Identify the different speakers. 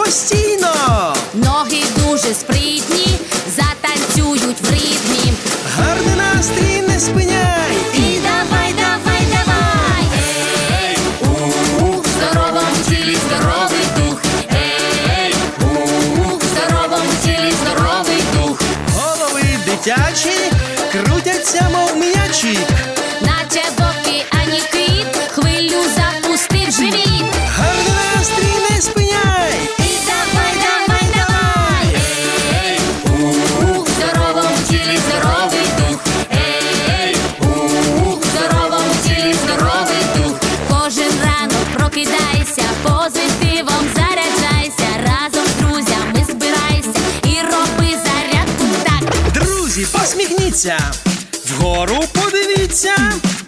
Speaker 1: постійно.
Speaker 2: Ноги дуже спритні, затанцюють в ритмі.
Speaker 1: Гарний настрій не спиняй.
Speaker 2: І давай, давай, давай. Ей, в здоровому тілі здоровий дух. Ей, в здоровому тілі здоровий дух.
Speaker 1: Голови дитячі крутяться, мов м'ячі.
Speaker 2: Наче боки, ані кит, хвилю запустив живіт.
Speaker 1: Гарний настрій не спиняй.
Speaker 2: І давай, давай, давай. Ей, в здоровому тілі здоровий дух. Ей, в здоровому тілі здоровий дух. Кожен ранок прокидайся, позитивом заряджайся. Разом з друзями збирайся і роби зарядку так.
Speaker 1: Друзі, посміхніться, вгору подивіться.